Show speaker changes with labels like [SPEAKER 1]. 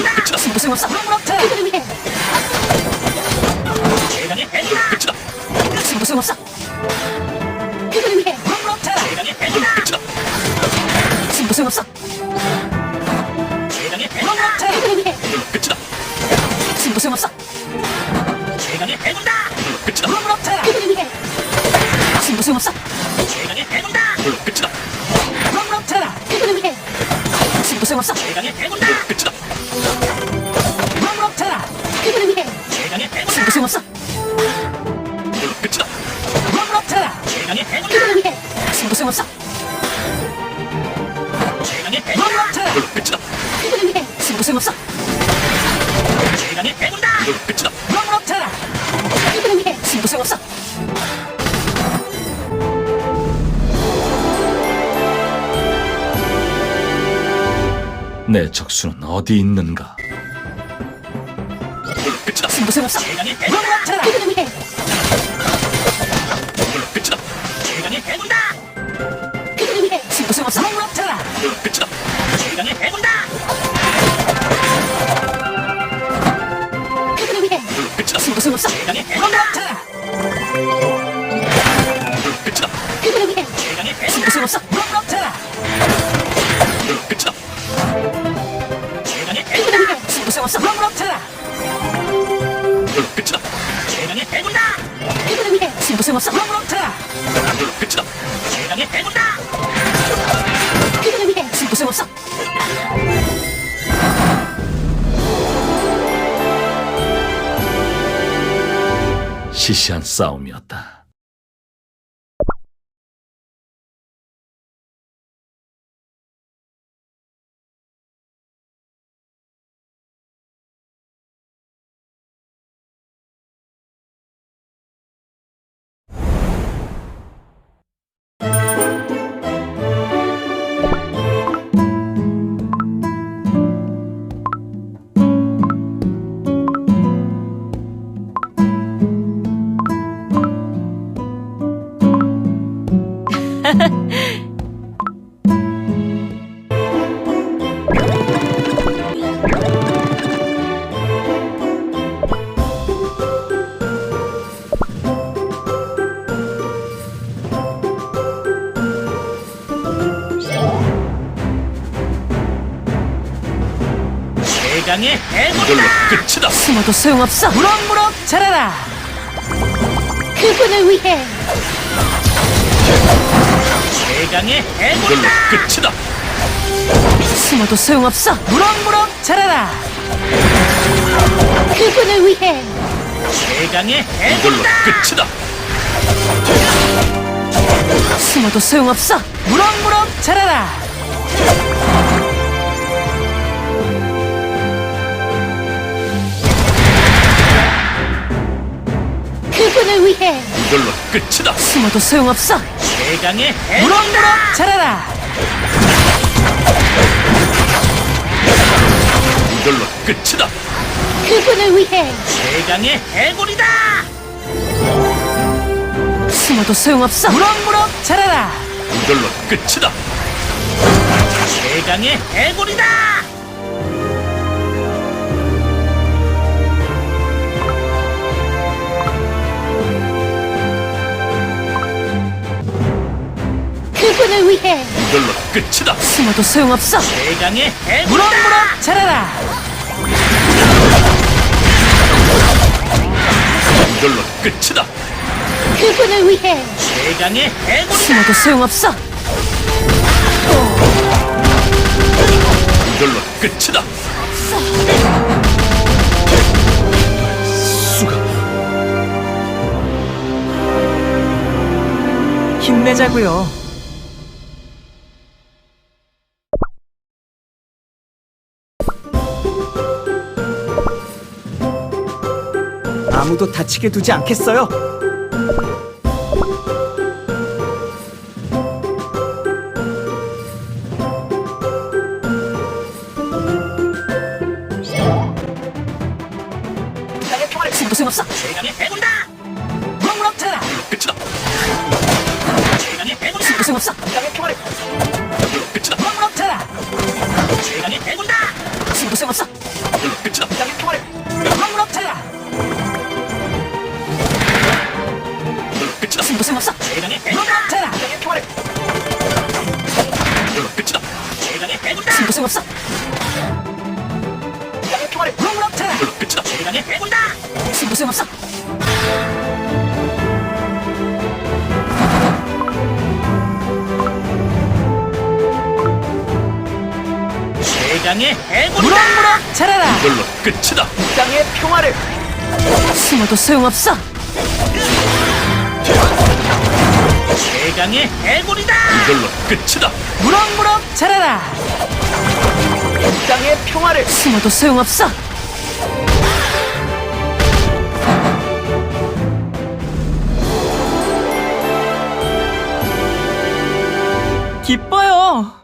[SPEAKER 1] 끝이다.
[SPEAKER 2] 무슨 없어. 무럭무럭해. 그들을 위해.
[SPEAKER 1] 최강의 해골이다. 끝이다.
[SPEAKER 2] 무슨 없어. 그들을 위해. 무럭무럭해.
[SPEAKER 1] 최강의 해골이다.
[SPEAKER 2] 무슨
[SPEAKER 1] 끝이다.
[SPEAKER 2] 없어.
[SPEAKER 1] 최강의 해골이다.
[SPEAKER 2] 무럭무럭해. 그들을 위해.
[SPEAKER 1] 끝이다.
[SPEAKER 2] 무슨 없어.
[SPEAKER 1] 최강의 해골이다. 끝이다.
[SPEAKER 2] 무럭무럭해. 그들을 위해. 무슨 없어.
[SPEAKER 1] 최강의 해골이다. 끝이다.
[SPEAKER 2] 무럭무럭해. 그들을 위해. 무슨 없어.
[SPEAKER 1] 최강의 해골이다. 끝이다.
[SPEAKER 2] 무럭무럭해. 그들을 위해.
[SPEAKER 1] 최강의 해골이다.
[SPEAKER 2] 무슨 없어.
[SPEAKER 1] 끝이다.
[SPEAKER 2] 무럭무럭해.
[SPEAKER 1] 최강의 해골이다.
[SPEAKER 2] 그들을 위해. 무슨 없어.
[SPEAKER 1] 최강의 해골이다.
[SPEAKER 2] 무럭무럭해.
[SPEAKER 1] 끝이다.
[SPEAKER 2] 그들을 위해. 무슨 없어.
[SPEAKER 1] 최강의 해골이다. 끝이다.
[SPEAKER 2] 무럭무럭해. 그들을 위해. 무슨 없어.
[SPEAKER 3] 내 적수는 어디 있는가?
[SPEAKER 1] 끝이다.
[SPEAKER 2] 무슨 없어.
[SPEAKER 1] 최강의 해골이다.
[SPEAKER 2] 무럭무럭해. 그들을 위해.
[SPEAKER 1] 끝이다. 최강의 해골이다.
[SPEAKER 2] 그들을 위해. 무슨 없어. 무럭무럭해.
[SPEAKER 1] 끝이다. 최강의 해골이다.
[SPEAKER 2] 그들을 위해.
[SPEAKER 1] 끝이다.
[SPEAKER 2] 무슨 없어.
[SPEAKER 1] 최강의 해골이다.
[SPEAKER 2] 무럭무럭해.
[SPEAKER 1] 끝이다.
[SPEAKER 2] 그들을 위해.
[SPEAKER 1] 최강의 해골이다.
[SPEAKER 2] 무슨 없어. 무럭무럭해.
[SPEAKER 1] 끝이다. 최강의
[SPEAKER 2] 그들을
[SPEAKER 1] 해골이다.
[SPEAKER 2] 위해. 무슨 없어. 무럭무럭해.
[SPEAKER 1] 끝이다. 최강의 해골이다.
[SPEAKER 2] 그들을 위해. 무슨 없어. 무럭무럭해.
[SPEAKER 1] 끝이다. 최강의 해골이다.
[SPEAKER 2] 그들을 위해. 무슨 없어.
[SPEAKER 3] 시시한 싸움이었다.
[SPEAKER 1] 최강의 해골이다.
[SPEAKER 3] 이걸로 끝이다.
[SPEAKER 2] 숨어도 소용없어. 무럭무럭 자라라. 그분을 위해.
[SPEAKER 1] 최강의
[SPEAKER 3] 이걸로
[SPEAKER 1] 해골이다.
[SPEAKER 3] 끝이다.
[SPEAKER 2] 숨어도 소용없어. 무럭무럭 자라라. 그분을 위해.
[SPEAKER 1] 최강의
[SPEAKER 3] 이걸로
[SPEAKER 1] 해골이다.
[SPEAKER 3] 끝이다.
[SPEAKER 2] 숨어도 소용없어. 무럭무럭 자라라. 그분을 위해.
[SPEAKER 3] 이걸로 끝이다.
[SPEAKER 2] 숨어도 소용없어.
[SPEAKER 1] 최강의 해골이다.
[SPEAKER 2] 무럭무럭 자라라.
[SPEAKER 3] 이걸로 끝이다.
[SPEAKER 2] 그분을 위해.
[SPEAKER 1] 최강의 해골이다.
[SPEAKER 2] 숨어도 소용없어. 무럭무럭 자라라.
[SPEAKER 3] 이걸로 끝이다.
[SPEAKER 1] 최강의 해골이다.
[SPEAKER 2] 그분을 위해.
[SPEAKER 3] 이걸로 끝이다.
[SPEAKER 2] 숨어도 소용없어.
[SPEAKER 1] 최강의 해골이다.
[SPEAKER 2] 무럭무럭 자라라.
[SPEAKER 3] 이걸로 끝이다.
[SPEAKER 2] 그분을 위해.
[SPEAKER 1] 최강의 해골이다.
[SPEAKER 2] 숨어도 소용없어.
[SPEAKER 3] 이걸로 끝이다. 수가
[SPEAKER 2] 힘내자고요.
[SPEAKER 4] 아무도 다치게 두지 않겠어요.
[SPEAKER 2] 무슨 없어.
[SPEAKER 1] 최강의 해골이다.
[SPEAKER 2] 무럭무럭 자라라.
[SPEAKER 1] 끝이다. 최강의 해골이다.
[SPEAKER 2] 무슨 없어.
[SPEAKER 1] 끝이다.
[SPEAKER 2] 무럭무럭 자라라.
[SPEAKER 1] 최강의 해골이다.
[SPEAKER 2] 무슨 없어.
[SPEAKER 3] 이걸로 끝이다.
[SPEAKER 2] 이 땅의 평화를 무럭무럭해라.
[SPEAKER 3] 이걸로 끝이다.
[SPEAKER 2] 승부 소용없어.
[SPEAKER 1] 최강의 해골.
[SPEAKER 2] 무럭무럭해라. 이 땅의 평화를
[SPEAKER 3] 이걸로 끝이다.
[SPEAKER 1] 최강의 해골이다.
[SPEAKER 2] 승부 소용없어. 이 땅의 평화를 무럭무럭해라.
[SPEAKER 3] 이걸로 끝이다.
[SPEAKER 1] 최강의 해골이다.
[SPEAKER 2] 승부 소용없어.
[SPEAKER 1] 최강의 해골이다.
[SPEAKER 2] 무럭무럭 자라라.
[SPEAKER 3] 이걸로 끝이다.
[SPEAKER 4] 이 땅의 평화를
[SPEAKER 2] 숨어도 소용없어.
[SPEAKER 1] 최강의 해골이다.
[SPEAKER 3] 이걸로 끝이다.
[SPEAKER 2] 무럭무럭 자라라.
[SPEAKER 4] 이 땅의 평화를
[SPEAKER 2] 숨어도 소용없어. 기뻐요.